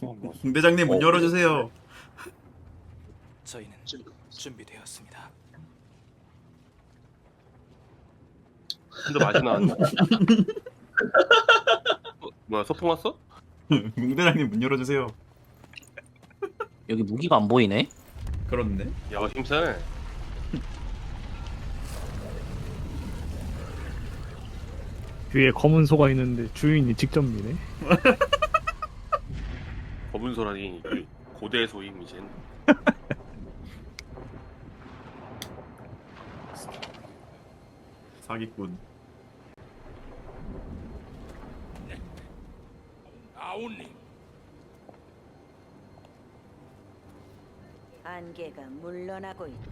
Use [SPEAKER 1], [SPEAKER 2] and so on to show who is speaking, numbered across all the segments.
[SPEAKER 1] 대장님 문 열어주세요.
[SPEAKER 2] 저희는 준비되었습니다.
[SPEAKER 3] 근데 맛이 나왔네. 뭐야 소풍 왔어?
[SPEAKER 1] 문 대장님 문 열어주세요.
[SPEAKER 4] 여기 무기가 안 보이네?
[SPEAKER 1] 그렇네.
[SPEAKER 3] 야 힘세네.
[SPEAKER 5] 뒤에 검은 소가 있는데 주인이 직접 미네.
[SPEAKER 3] 검은 소라니 그 고대 소임 이제.
[SPEAKER 1] 사기꾼.
[SPEAKER 2] 아우님,
[SPEAKER 6] 안개가 물러나고 있다.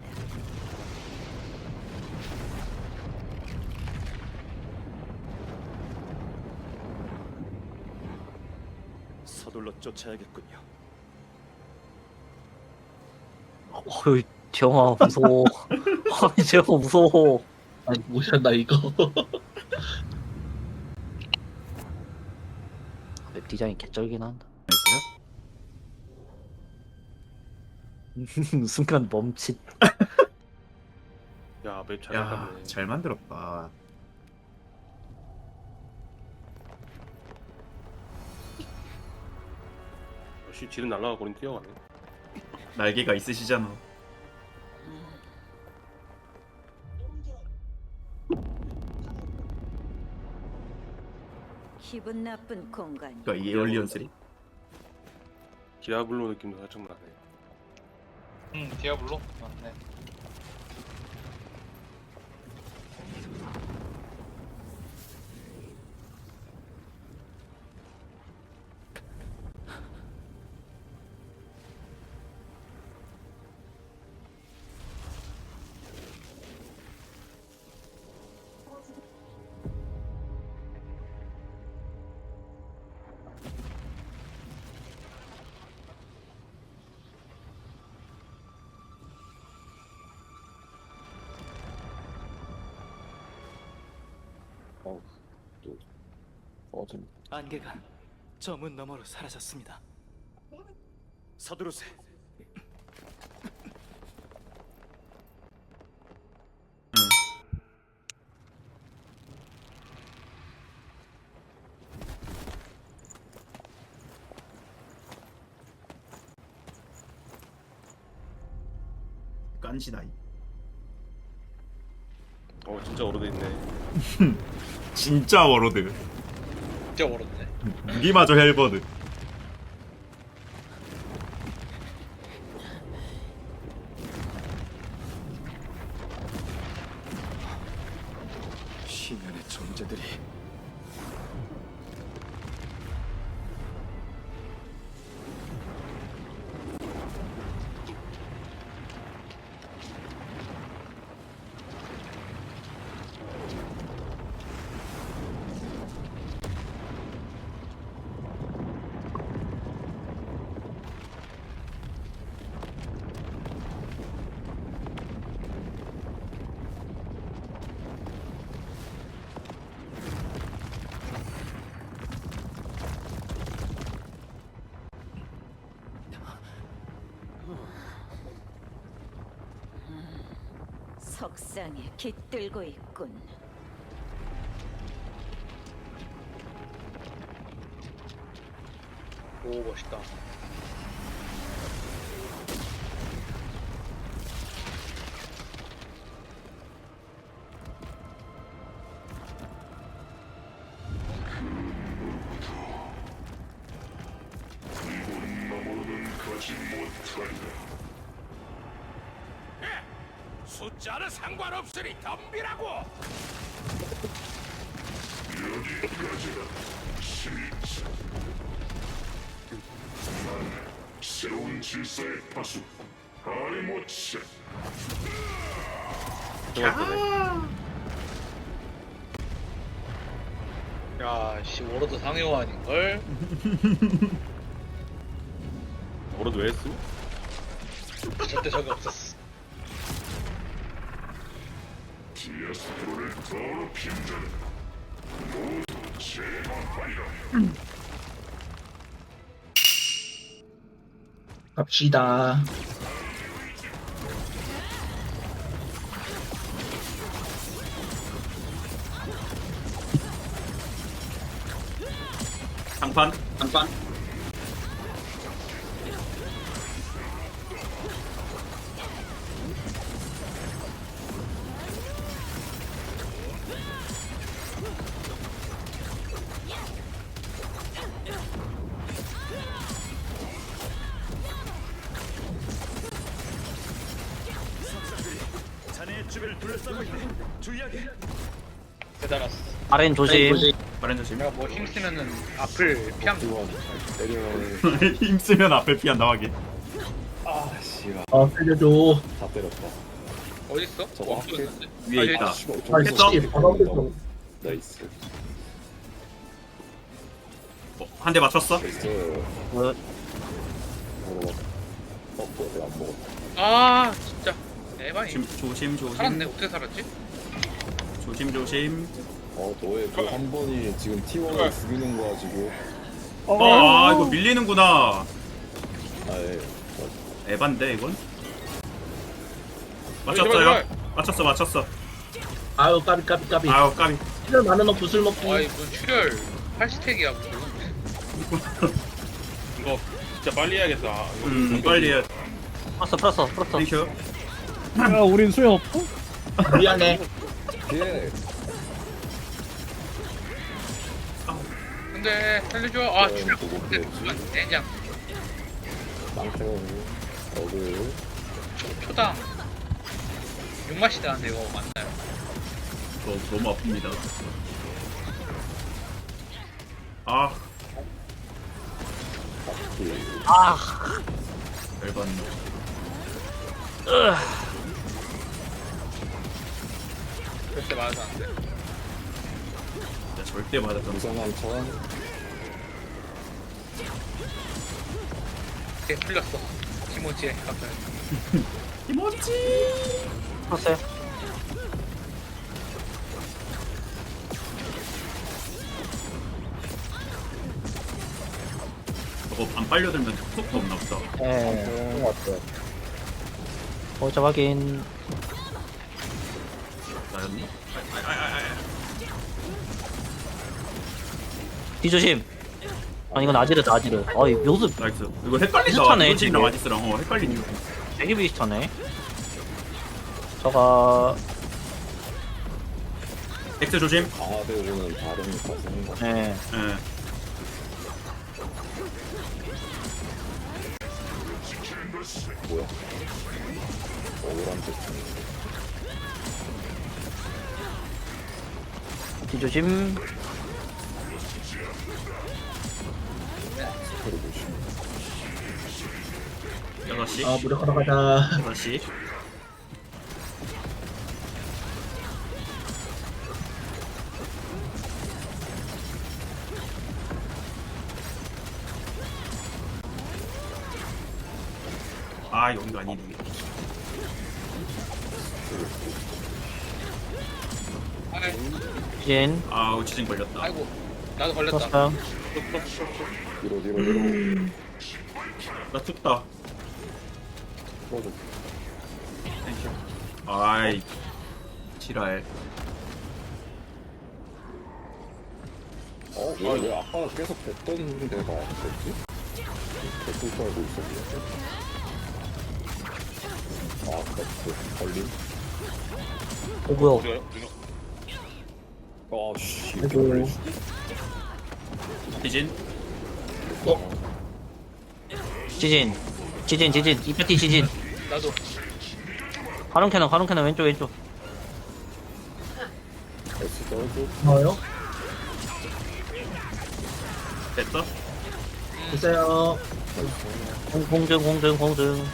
[SPEAKER 2] 서둘러 쫓아야겠군요.
[SPEAKER 4] 어이 재영아 무서워. 아니 재영아 무서워.
[SPEAKER 7] 아니 뭐야 나 이거
[SPEAKER 4] 맵 디자인 개쩔긴 한다. 순간 멈칫.
[SPEAKER 3] 야맵잘
[SPEAKER 1] 야,
[SPEAKER 3] 나갔네.
[SPEAKER 1] 잘 만들었다.
[SPEAKER 3] 역시 지는 날라가 버린 뛰어가네.
[SPEAKER 1] 날개가 있으시잖아.
[SPEAKER 6] 기분 나쁜 공간.
[SPEAKER 1] 그러니까 이 에얼리언 3.
[SPEAKER 3] 디아블로 느낌도 살짝 나네.
[SPEAKER 8] 디아블로? 네.
[SPEAKER 2] 안개가 저 문 너머로 사라졌습니다. 서두르세.
[SPEAKER 1] 깐시나이.
[SPEAKER 3] 진짜 오래됐네.
[SPEAKER 1] 진짜 워로드.
[SPEAKER 8] 진짜 어렵네.
[SPEAKER 1] 무기마저 헬버드.
[SPEAKER 2] 시면의 존재들이
[SPEAKER 6] 석상에 깃들고 있군.
[SPEAKER 8] 오 멋있다.
[SPEAKER 2] 숫자는 상관없으니 덤비라고.
[SPEAKER 9] 새로운 질서의 파수 아리모치.
[SPEAKER 8] 야, 씨 워로드 상요 아닌걸?
[SPEAKER 3] 오래도 왜 했어?
[SPEAKER 8] 절대 적이 없었어.
[SPEAKER 9] 디아스트로를 더럽힌 자는 모두 제거하리라.
[SPEAKER 7] 갑시다.
[SPEAKER 1] 장판.
[SPEAKER 2] 자네의 주변을 둘러싸고 있네. 주의하게.
[SPEAKER 8] 대단했어.
[SPEAKER 4] 아렌 조심.
[SPEAKER 1] 빠른 조심.
[SPEAKER 8] 내가 뭐 힘쓰면은 앞을 피한 거.
[SPEAKER 1] 힘쓰면 앞에 피한다 하긴.
[SPEAKER 7] 살려줘.
[SPEAKER 8] 어딨어?
[SPEAKER 3] 저거
[SPEAKER 8] 없어졌는데?
[SPEAKER 1] 위에 있다.
[SPEAKER 7] 했어?
[SPEAKER 3] 나이스.
[SPEAKER 1] 한 대 맞췄어?
[SPEAKER 8] 아 진짜 에바이.
[SPEAKER 1] 조심.
[SPEAKER 8] 살았네. 어떻게 살았지?
[SPEAKER 1] 조심.
[SPEAKER 10] 너의 그 한 번이 지금 T1을 죽이는 거야 지금.
[SPEAKER 1] 이거 밀리는구나.
[SPEAKER 10] 예.
[SPEAKER 1] 에반데 이건? 맞췄어요? 맞췄어.
[SPEAKER 7] 아유 까비.
[SPEAKER 1] 아유 까비.
[SPEAKER 7] 시간 많은 너 구슬 먹기.
[SPEAKER 8] 아이 무슨 출혈 8스택이야 무슨.
[SPEAKER 3] 이거 진짜 빨리 해야겠다.
[SPEAKER 1] 빨리 해.
[SPEAKER 4] 풀었어.
[SPEAKER 1] 땡큐.
[SPEAKER 5] 야 우린 수영 없고?
[SPEAKER 7] 미안해.
[SPEAKER 10] 예.
[SPEAKER 8] 근데 살려줘. 아 출혈.
[SPEAKER 10] 누구 피했지?
[SPEAKER 8] 내장
[SPEAKER 10] 망태원 어글.
[SPEAKER 8] 초당 6맛이 나는데 이거 맞나요?
[SPEAKER 1] 너무 아픕니다. 아, 열받네.
[SPEAKER 8] 절대 맞아도 안 돼.
[SPEAKER 1] 진짜 절대 맞았던
[SPEAKER 10] 우선한 천.
[SPEAKER 8] 걔 풀렸어. 키모지에 갑자기.
[SPEAKER 4] 풀었어요.
[SPEAKER 1] 저거 안 빨려들면 속도 없나 보다.
[SPEAKER 4] 네. 보자 확인.
[SPEAKER 1] 나였니?
[SPEAKER 4] 뒤조심. 이건 아지르다. 아이 묘수
[SPEAKER 1] 나이스. 이거 헷갈린다.
[SPEAKER 4] 비슷하네,
[SPEAKER 1] 이거랑
[SPEAKER 4] 지금.
[SPEAKER 1] 아지스랑 헷갈리네.
[SPEAKER 4] 되게 비슷하네. 저가
[SPEAKER 1] 엑스 조심.
[SPEAKER 10] 강화되고는 다른 가슴.
[SPEAKER 4] 네.
[SPEAKER 1] 예.
[SPEAKER 10] 뭐야? 억울한테
[SPEAKER 4] 뒤조심.
[SPEAKER 10] 스페를 보시면
[SPEAKER 1] 6시.
[SPEAKER 7] 무력하러 가자.
[SPEAKER 1] 6시. 아, 여기가 아니네.
[SPEAKER 8] 아이,
[SPEAKER 4] 진.
[SPEAKER 1] 아우, 지진 걸렸다.
[SPEAKER 8] 아이고 나도 걸렸다.
[SPEAKER 4] 풀었어요.
[SPEAKER 10] 뒤로
[SPEAKER 1] 나 툭다.
[SPEAKER 10] 풀어줘.
[SPEAKER 1] 땡큐. 아이, 지랄.
[SPEAKER 10] 왜 아까 계속 뱉던 데가 안 됐지? 뱉을 거 알고 있었는데. 아까 그 걸림.
[SPEAKER 4] 뭐야?
[SPEAKER 10] 씨.
[SPEAKER 7] 아이고.
[SPEAKER 1] 지진.
[SPEAKER 4] 지진. 이파티 지진.
[SPEAKER 8] 나도.
[SPEAKER 4] 가론 캐논 왼쪽.
[SPEAKER 10] S 떨고.
[SPEAKER 7] 뭐요?
[SPEAKER 1] 됐어?
[SPEAKER 7] 보세요.
[SPEAKER 4] 공증.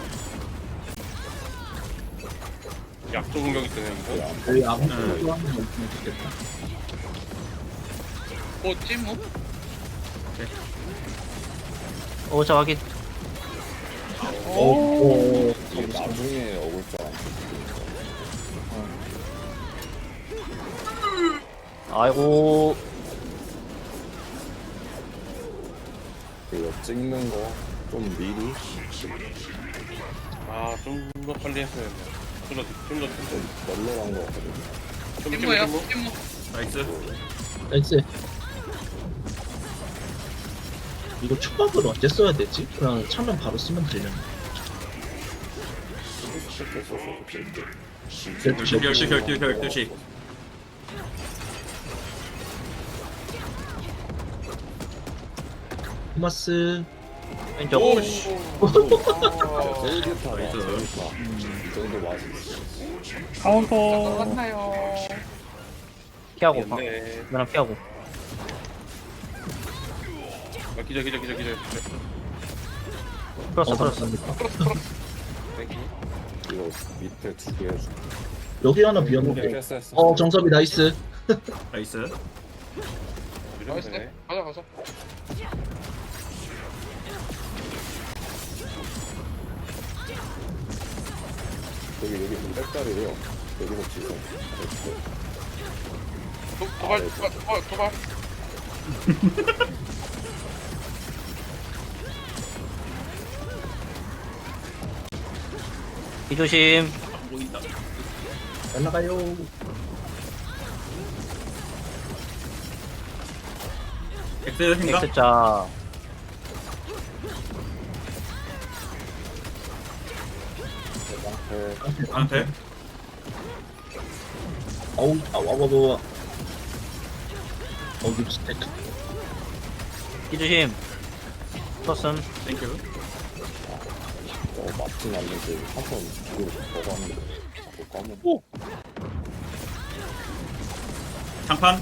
[SPEAKER 3] 약조 공격이 되네 이거.
[SPEAKER 7] 저희 아무
[SPEAKER 1] 응.
[SPEAKER 7] 소리도 하는 거 없으면 좋겠다.
[SPEAKER 8] 찜호?
[SPEAKER 4] 오자 확인.
[SPEAKER 7] 오.
[SPEAKER 10] 이게 나중에 어글자 안
[SPEAKER 4] 아이고.
[SPEAKER 10] 이거 찍는 거 좀 미리
[SPEAKER 3] 좀 더 빨리 했어야 돼. 좀더
[SPEAKER 10] 널널한 거 같거든요.
[SPEAKER 8] 찜무예요 찜무.
[SPEAKER 1] 나이스.
[SPEAKER 7] 나이스. 이거 초밥을 언제 써야 되지? 그냥 차면 바로 쓰면 되려나?
[SPEAKER 1] 결투 12시.
[SPEAKER 7] 토마스.
[SPEAKER 4] 왼쪽.
[SPEAKER 3] 오씨.
[SPEAKER 10] 쫄깃하다.
[SPEAKER 1] 나이스.
[SPEAKER 10] 쫄깃하. 이 정도 맛이 있어.
[SPEAKER 5] 카운터.
[SPEAKER 8] 맞나요?
[SPEAKER 4] 피하고.
[SPEAKER 3] 네.
[SPEAKER 4] 그냥 피하고.
[SPEAKER 3] 기절.
[SPEAKER 4] 풀었어.
[SPEAKER 3] 땡큐.
[SPEAKER 10] 이거 밑에 2개 해줄게.
[SPEAKER 7] 여기 하나 비었는데.
[SPEAKER 10] 됐어.
[SPEAKER 7] 정섭이 나이스.
[SPEAKER 1] 나이스.
[SPEAKER 3] 이러면
[SPEAKER 8] 나이스.
[SPEAKER 3] 되네.
[SPEAKER 8] 가자.
[SPEAKER 10] 여기 좀 빽다리래요. 여기서 지금.
[SPEAKER 8] 도발.
[SPEAKER 4] 이 조심.
[SPEAKER 1] 안 보인다.
[SPEAKER 7] 날라가요.
[SPEAKER 1] 엑스 생각?
[SPEAKER 4] X자.
[SPEAKER 1] 한테.
[SPEAKER 7] 어우, 와. 어우, 스택.
[SPEAKER 4] 이 조심. 풀었음.
[SPEAKER 1] 땡큐.
[SPEAKER 10] 맞진 않는데 한번 이거 저거 하는데 자꾸 까먹어.
[SPEAKER 1] 장판.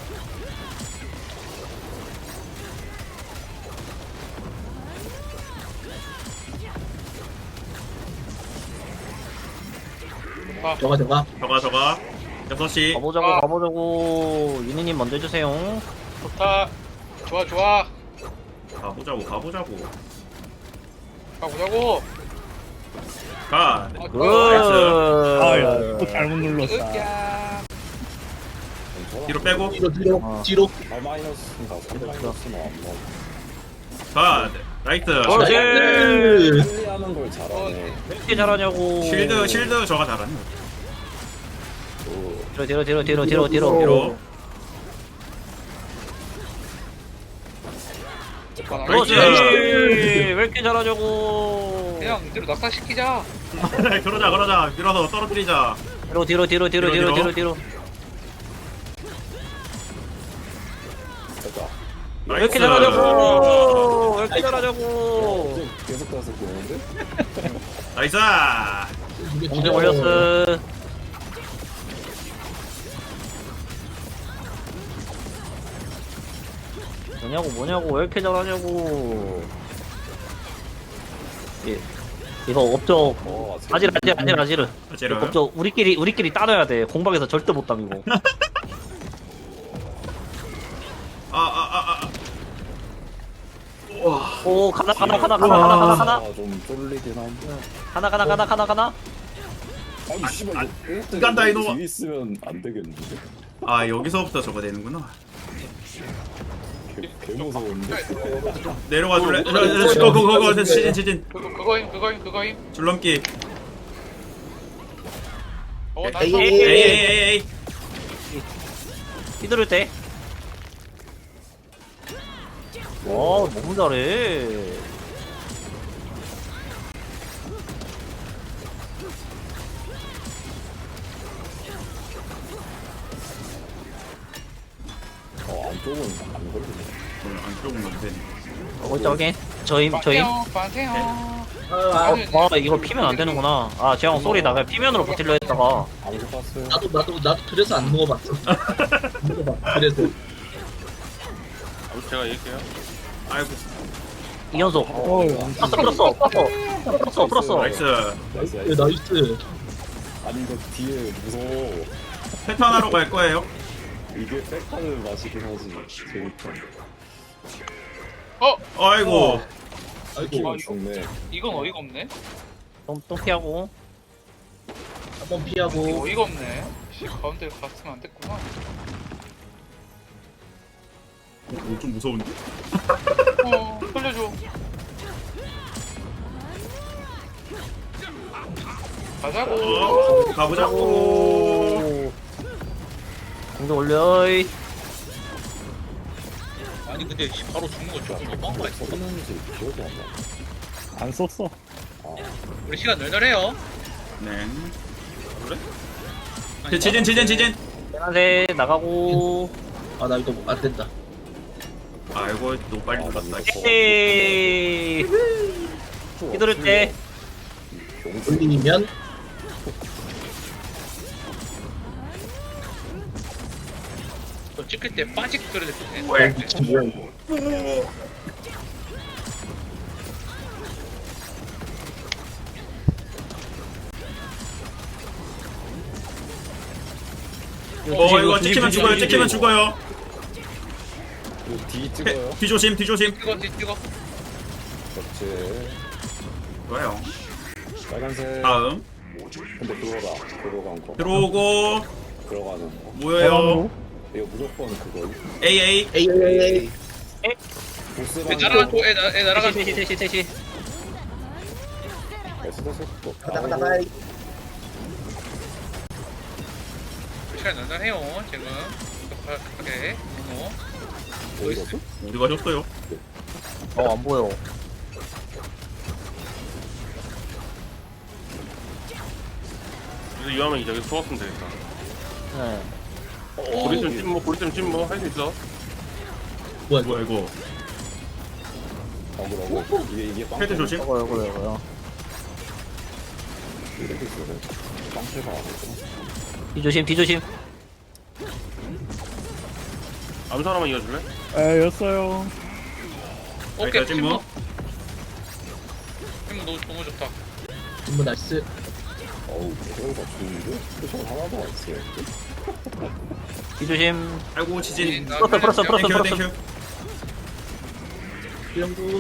[SPEAKER 7] 저가.
[SPEAKER 1] 저가. 6시.
[SPEAKER 4] 가보자고. 유니님 먼저 해주세요.
[SPEAKER 8] 좋다. 좋아.
[SPEAKER 1] 가보자고.
[SPEAKER 8] 가보자고.
[SPEAKER 1] 가.
[SPEAKER 4] 굿.
[SPEAKER 5] 아야 또 잘못 눌렀다.
[SPEAKER 8] 으야.
[SPEAKER 1] 뒤로 빼고.
[SPEAKER 7] 뒤로.
[SPEAKER 10] 발 마이너스인가 3 마이너스는 안 먹어.
[SPEAKER 1] 가. 나이스.
[SPEAKER 4] 그렇지.
[SPEAKER 10] 빨리 하는 걸 잘하네.
[SPEAKER 4] 왜 이렇게 잘하냐고.
[SPEAKER 1] 실드 저가 잘하네.
[SPEAKER 4] 뒤로.
[SPEAKER 1] 뒤로.
[SPEAKER 4] 그렇지. 왜 이렇게 잘하냐고.
[SPEAKER 8] 그냥 이대로 낙사시키자.
[SPEAKER 1] 그러자. 밀어서 떨어뜨리자.
[SPEAKER 4] 뒤로.
[SPEAKER 10] 됐다.
[SPEAKER 4] 왜 이렇게 잘하냐고.
[SPEAKER 10] 계속 가서 보는데?
[SPEAKER 1] 나이스.
[SPEAKER 4] 공중 올렸어. 뭐냐고 왜 이렇게 잘하냐고. 예. 이거 업적 아지르.
[SPEAKER 1] 제로.
[SPEAKER 4] 업적 우리끼리 따져야 돼. 공방에서 절대 못 당이고. 오 가나.
[SPEAKER 10] 좀 쫄리긴 한데.
[SPEAKER 4] 가나.
[SPEAKER 10] 아니 씨발 이거
[SPEAKER 1] 간다, 이놈아.
[SPEAKER 10] 뒤에 있으면 안 되겠는데?
[SPEAKER 1] 아 여기서부터 저거 되는구나.
[SPEAKER 10] 개 무서운데?
[SPEAKER 1] 내려가 줄래? 그거 지진.
[SPEAKER 8] 그거임.
[SPEAKER 1] 줄넘기.
[SPEAKER 8] 나이스.
[SPEAKER 1] 에이.
[SPEAKER 4] 휘두를 때. 너무 잘해.
[SPEAKER 10] 안쪽은 안 걸리네.
[SPEAKER 1] 안쪽은 안 되네.
[SPEAKER 4] 저기 저희
[SPEAKER 8] 빠세요.
[SPEAKER 4] 이거 피면 안 되는구나. 재영 쏘리 나가 피면으로 버틸려 했다가.
[SPEAKER 10] 안 먹어봤어요.
[SPEAKER 7] 나도 그래서 안 먹어봤어. 그래서.
[SPEAKER 3] 제가 얘기해요.
[SPEAKER 1] 아이고.
[SPEAKER 4] 이연속. 풀었어.
[SPEAKER 1] 나이스.
[SPEAKER 7] 나이스.
[SPEAKER 10] 아니 이거 뒤에 무서워.
[SPEAKER 1] 패턴 하러 갈 거예요.
[SPEAKER 10] 이게 백하는 맛이긴 하지. 재밌다.
[SPEAKER 1] 아이고.
[SPEAKER 10] 키면 죽네.
[SPEAKER 8] 이건 어이가 없네.
[SPEAKER 4] 또 피하고.
[SPEAKER 7] 한번 피하고.
[SPEAKER 8] 어이가 없네. 가운데 갔으면 안 됐구나.
[SPEAKER 1] 좀 무서운데?
[SPEAKER 8] 살려줘. 가자고.
[SPEAKER 1] 가보자고.
[SPEAKER 4] 공격 올려.
[SPEAKER 2] 아니 근데 바로 죽는 거 조금 너무한 거 아니야?
[SPEAKER 10] 썼는지 기억이 안 나.
[SPEAKER 5] 안 썼어.
[SPEAKER 2] 우리 시간 널널해요.
[SPEAKER 1] 네. 그래? 지진.
[SPEAKER 4] 안돼 나가고.
[SPEAKER 7] 아 나 이거 안 된다.
[SPEAKER 1] 아이고 너무 빨리 갔다.
[SPEAKER 4] 에이. 휘두를 때.
[SPEAKER 7] 올리면
[SPEAKER 2] 또 찍힐 때 빠직 소리 듣네.
[SPEAKER 1] 왜?
[SPEAKER 7] 뭐야 이거.
[SPEAKER 1] 이거 찍히면 죽어요. 찍히면 죽어요.
[SPEAKER 10] 이거 D 찍어요.
[SPEAKER 1] 뒤조심.
[SPEAKER 2] 찍어.
[SPEAKER 10] 그렇지.
[SPEAKER 1] 좋아요.
[SPEAKER 10] 빨간색.
[SPEAKER 1] 다음
[SPEAKER 10] 근데 그거다. 들어간 거.
[SPEAKER 1] 들어오고
[SPEAKER 10] 들어가는 거.
[SPEAKER 1] 모여요.
[SPEAKER 10] 이거 무조건 그거.
[SPEAKER 1] AA.
[SPEAKER 7] 에이.
[SPEAKER 10] 보스
[SPEAKER 2] 애 날아가 또 애 날아가.
[SPEAKER 4] 셋이.
[SPEAKER 10] 또.
[SPEAKER 7] 나가.
[SPEAKER 2] 시간 널널해요 지금. 오케이.
[SPEAKER 10] 어디갔어?
[SPEAKER 1] 어디 가셨어요?
[SPEAKER 4] 안 보여.
[SPEAKER 3] 그래서 이왕하면 이제 여기서 소았으면 되겠다.
[SPEAKER 4] 네.
[SPEAKER 3] 보리쌤 찜뭐 할 수 있어.
[SPEAKER 1] 뭐야 이거?
[SPEAKER 10] 어그러고. 이게 빵.
[SPEAKER 1] 헤드 조심.
[SPEAKER 4] 이거요.
[SPEAKER 10] 이렇게 있어요. 빵패가 안 했구나.
[SPEAKER 4] 뒤조심.
[SPEAKER 3] 암수 하나만 이어줄래?
[SPEAKER 5] 였어요.
[SPEAKER 2] 오케이.
[SPEAKER 1] 알겠지, 뭐?
[SPEAKER 2] 팀 너무 좋다.
[SPEAKER 7] 전부 나이스.
[SPEAKER 10] 어우, 그거가 좋은데? 표정 하나도 안 쓰여.
[SPEAKER 4] 뒤조심.
[SPEAKER 1] 아이고 지진.
[SPEAKER 4] 풀었어.
[SPEAKER 1] 땡큐.
[SPEAKER 7] 이런 거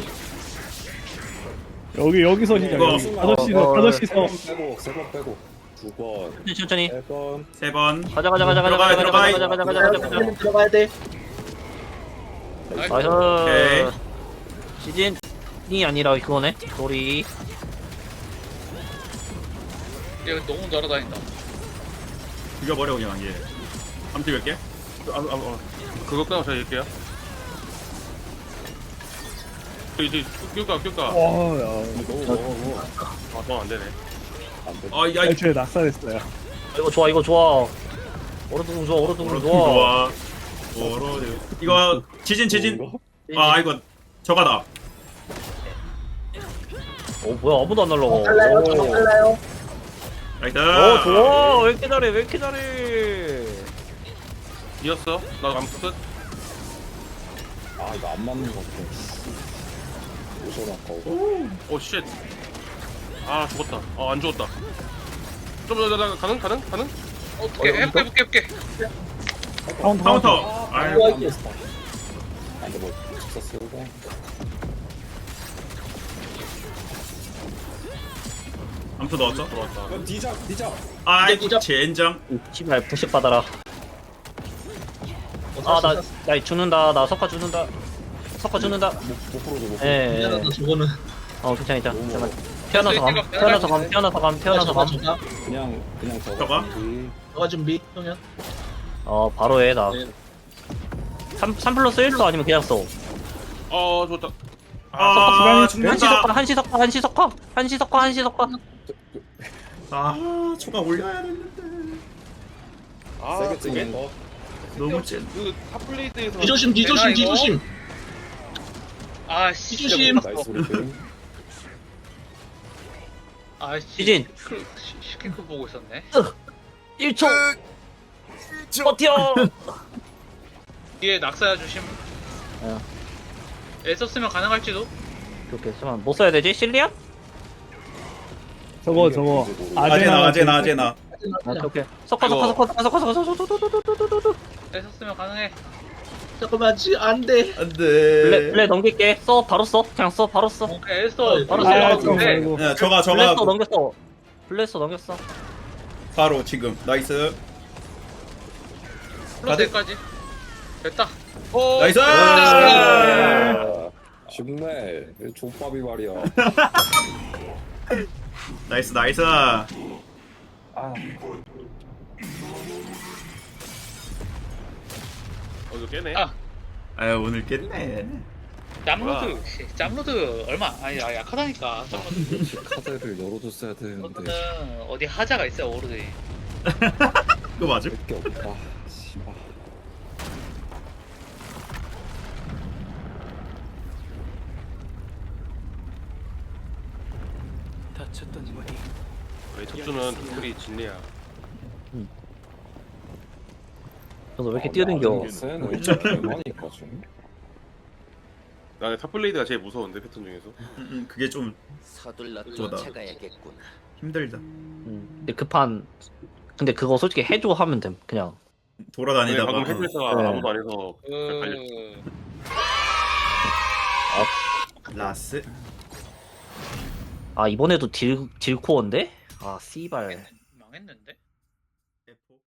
[SPEAKER 5] 여기서 시작.
[SPEAKER 1] 이거.
[SPEAKER 5] 아저씨서.
[SPEAKER 10] 세번 빼고. 2번.
[SPEAKER 4] 천천히.
[SPEAKER 10] 3번.
[SPEAKER 1] 3번.
[SPEAKER 4] 가자.
[SPEAKER 7] 들어가야 돼.
[SPEAKER 4] 나이스.
[SPEAKER 1] 오케이.
[SPEAKER 4] 시즌이 아니라 그거네. 소리.
[SPEAKER 2] 얘 너무 날아다닌다.
[SPEAKER 1] 죽여버려 그냥 얘. 암수 몇 개?
[SPEAKER 3] 그거 끝나고 제가 얘기할게요. 이제 낄까.
[SPEAKER 5] 와, 야.
[SPEAKER 3] 너 안 되네.
[SPEAKER 10] 안 돼.
[SPEAKER 1] 야
[SPEAKER 5] 애초에 낙살했어요.
[SPEAKER 4] 이거 좋아. 얼어두고 좋아.
[SPEAKER 1] 이거 지진. 아 이거 저가다.
[SPEAKER 4] 뭐야 아무도 안 날라가.
[SPEAKER 7] 빨라요.
[SPEAKER 1] 나이스.
[SPEAKER 4] 좋아. 왜 이렇게 잘해.
[SPEAKER 3] 이었어? 나 암수 끝?
[SPEAKER 10] 아, 이거 안 맞는 것 같아. 오션 아까워.
[SPEAKER 3] 오 쉣. 아 죽었다. 안 죽었다. 좀 더 가능?
[SPEAKER 2] 어떻게 해볼게.
[SPEAKER 1] 카운터. 아이고.
[SPEAKER 10] 안 됐어. 안 돼, 뭐, 직사 쓰고.
[SPEAKER 1] 암수 넣었죠?
[SPEAKER 3] 들어왔다.
[SPEAKER 10] 디작.
[SPEAKER 1] 아이고 젠장.
[SPEAKER 4] 씨발 부식 받아라. 나 죽는다. 나 석화 죽는다.
[SPEAKER 10] 못 풀어줘.
[SPEAKER 4] 예.
[SPEAKER 7] 미안하다 저거는.
[SPEAKER 4] 괜찮아. 잠깐. 태어나서 감.
[SPEAKER 10] 그냥
[SPEAKER 1] 저거?
[SPEAKER 7] 너가 준비. 형현.
[SPEAKER 4] 바로 해 나.
[SPEAKER 7] 네.
[SPEAKER 4] 3 플러스 1로 아니면 그냥 써.
[SPEAKER 3] 좋다.
[SPEAKER 1] 죽는다.
[SPEAKER 4] 한시 석화.
[SPEAKER 1] 초가 올려야 되는데.
[SPEAKER 10] 세게 찍는 거.
[SPEAKER 1] 너무 젠.
[SPEAKER 3] 그 탑플레이드에서
[SPEAKER 7] 뒤조심.
[SPEAKER 2] 아씨.
[SPEAKER 7] 뒤조심.
[SPEAKER 10] 나이스 브리핑.
[SPEAKER 2] 아씨.
[SPEAKER 4] 시진.
[SPEAKER 2] 시키크 보고 있었네.
[SPEAKER 4] 1초. 버텨.
[SPEAKER 2] 뒤에 낙사야 조심. 애 썼으면 가능할지도.
[SPEAKER 4] 오케이. 잠깐 뭐 써야 되지? 실리안?
[SPEAKER 5] 저거.
[SPEAKER 1] 아제나.
[SPEAKER 4] 오케이. 석화.
[SPEAKER 2] 애 썼으면 가능해.
[SPEAKER 7] 잠깐만 안 돼.
[SPEAKER 1] 안돼.
[SPEAKER 4] 블레 넘길게. 바로 써. 그냥 써. 바로 써.
[SPEAKER 2] 오케이 애 써.
[SPEAKER 4] 바로
[SPEAKER 5] 아,
[SPEAKER 4] 써.
[SPEAKER 2] 네.
[SPEAKER 5] 아이고.
[SPEAKER 1] 야 저가
[SPEAKER 4] 블레스 넘겼어.
[SPEAKER 1] 바로 지금 나이스.
[SPEAKER 2] 플러스 애까지. 됐다.
[SPEAKER 1] 나이스.
[SPEAKER 10] 아, 쉽네. 족밥이 말이야.
[SPEAKER 1] 나이스.
[SPEAKER 10] 아,
[SPEAKER 3] 이거 깨네.
[SPEAKER 2] 아.
[SPEAKER 1] 아유 오늘 깼네.
[SPEAKER 2] 짬로드 짬로드 얼마 아니 약하다니까 짬로드.
[SPEAKER 10] 카드를 열어줬어야 되는데
[SPEAKER 2] 짬로드는 어디 하자가 있어요 오르드에.
[SPEAKER 1] 그거 맞음?
[SPEAKER 10] 몇개 없다. 씨발.
[SPEAKER 3] 우리 척수는 둘이 진리야.
[SPEAKER 4] 저도 왜 이렇게 뛰어댕겨?
[SPEAKER 10] 쟤는 일찍 개많으니까 좀.
[SPEAKER 3] 나는 탑블레이드가 제일 무서운데 패턴 중에서.
[SPEAKER 1] 그게 좀
[SPEAKER 11] 서둘러
[SPEAKER 1] 그거다.
[SPEAKER 11] 쫓아가야겠구나.
[SPEAKER 1] 힘들다.
[SPEAKER 4] 근데 급한 근데 그거 솔직히 해줘 하면 됨 그냥.
[SPEAKER 3] 근데
[SPEAKER 1] 돌아다니다가
[SPEAKER 3] 방금 헬멧가
[SPEAKER 4] 네.
[SPEAKER 3] 아무도 안 해서 갈렸어.
[SPEAKER 1] 라스.
[SPEAKER 4] 아 이번에도 딜코어인데? 아 씨발.
[SPEAKER 2] 망했는데?